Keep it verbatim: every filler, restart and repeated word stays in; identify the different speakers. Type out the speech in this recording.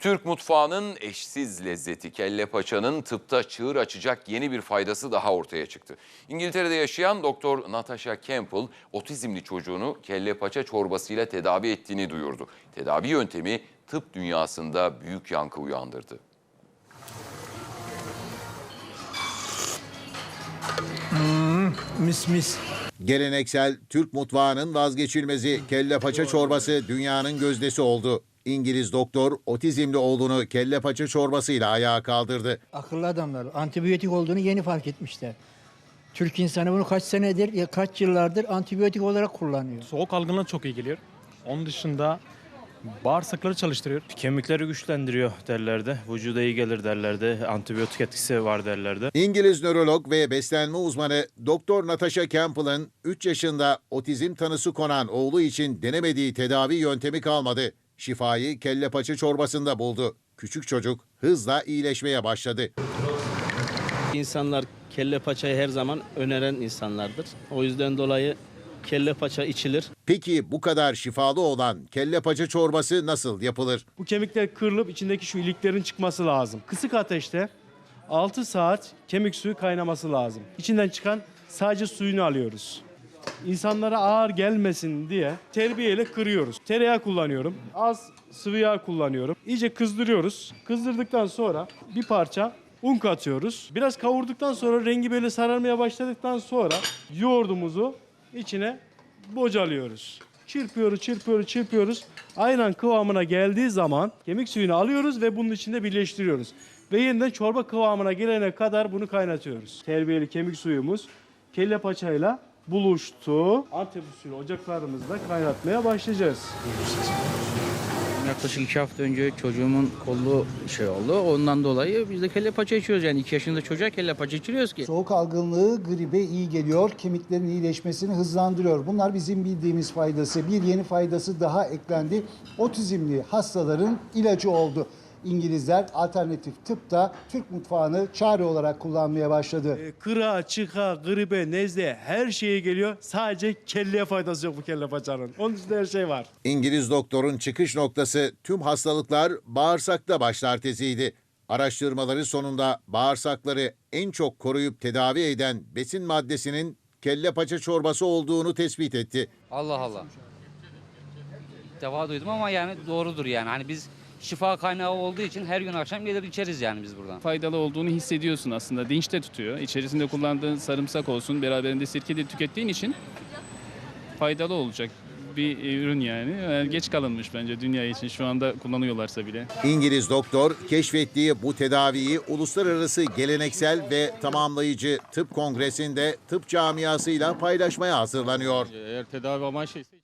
Speaker 1: Türk mutfağının eşsiz lezzeti kelle paçanın tıpta çığır açacak yeni bir faydası daha ortaya çıktı. İngiltere'de yaşayan Doktor Natasha Campbell, otizmli çocuğunu kelle paça çorbasıyla tedavi ettiğini duyurdu. Tedavi yöntemi tıp dünyasında büyük yankı uyandırdı.
Speaker 2: Hmm, mis mis.
Speaker 3: Geleneksel Türk mutfağının vazgeçilmezi kelle paça çorbası dünyanın gözdesi oldu. İngiliz doktor otizmli oğlunu kelle paça çorbasıyla ayağa kaldırdı.
Speaker 2: Akıllı adamlar antibiyotik olduğunu yeni fark etmişler. Türk insanı bunu kaç senedir, ya kaç yıllardır antibiyotik olarak kullanıyor.
Speaker 4: Soğuk algınlığına çok iyi geliyor. Onun dışında bağırsakları çalıştırıyor.
Speaker 5: Kemikleri güçlendiriyor derlerdi. Vücuda iyi gelir derlerdi. Antibiyotik etkisi var derlerdi.
Speaker 3: İngiliz nörolog ve beslenme uzmanı Doktor Natasha Campbell'ın üç yaşında otizm tanısı konan oğlu için denemediği tedavi yöntemi kalmadı. Şifayı kelle paça çorbasında buldu. Küçük çocuk hızla iyileşmeye başladı.
Speaker 6: İnsanlar kelle paçayı her zaman öneren insanlardır. O yüzden dolayı kelle paça içilir.
Speaker 3: Peki bu kadar şifalı olan kelle paça çorbası nasıl yapılır?
Speaker 4: Bu kemikler kırılıp içindeki şu iliklerin çıkması lazım. Kısık ateşte altı saat kemik suyu kaynaması lazım. İçinden çıkan sadece suyunu alıyoruz. İnsanlara ağır gelmesin diye terbiyeyle kırıyoruz. Tereyağı kullanıyorum. Az sıvı yağ kullanıyorum. İyice kızdırıyoruz. Kızdırdıktan sonra bir parça un katıyoruz. Biraz kavurduktan sonra rengi böyle sararmaya başladıktan sonra yoğurdumuzu içine bocalıyoruz. Çırpıyoruz, çırpıyoruz, çırpıyoruz. Aynen kıvamına geldiği zaman kemik suyunu alıyoruz ve bunun içinde birleştiriyoruz. Ve yeniden çorba kıvamına gelene kadar bunu kaynatıyoruz. Terbiyeli kemik suyumuz kelle paçayla buluştu. Antep usulü ocaklarımızda kaynatmaya başlayacağız.
Speaker 7: Yaklaşık iki hafta önce çocuğumun kolu şey oldu. Ondan dolayı biz de kelle paça içiyoruz. Yani iki yaşında çocuğa kelle paça içiriyoruz ki.
Speaker 8: Soğuk algınlığı gribe iyi geliyor, kemiklerin iyileşmesini hızlandırıyor. Bunlar bizim bildiğimiz faydası. Bir yeni faydası daha eklendi. Otizmli hastaların ilacı oldu. İngilizler alternatif tıpta Türk mutfağını çare olarak kullanmaya başladı.
Speaker 4: E, kıra, çıka, gribe, nezle her şeye geliyor. Sadece kelleye faydası yok bu kelle paçanın. Onun dışında her şey var.
Speaker 3: İngiliz doktorun çıkış noktası tüm hastalıklar bağırsakta başlar teziydi. Araştırmaları sonunda bağırsakları en çok koruyup tedavi eden besin maddesinin kelle paça çorbası olduğunu tespit etti.
Speaker 9: Allah Allah. İlk defa duydum ama yani doğrudur yani. Hani biz şifa kaynağı olduğu için her gün akşam gelir içeriz yani biz buradan.
Speaker 10: Faydalı olduğunu hissediyorsun aslında. Dinç de tutuyor. İçerisinde kullandığın sarımsak olsun, beraberinde sirke de tükettiğin için faydalı olacak bir ürün yani. Yani geç kalınmış bence dünya için şu anda kullanıyorlarsa bile.
Speaker 3: İngiliz doktor keşfettiği bu tedaviyi uluslararası geleneksel ve tamamlayıcı tıp kongresinde tıp camiasıyla paylaşmaya hazırlanıyor.
Speaker 5: Eğer tedavi amaçlıysa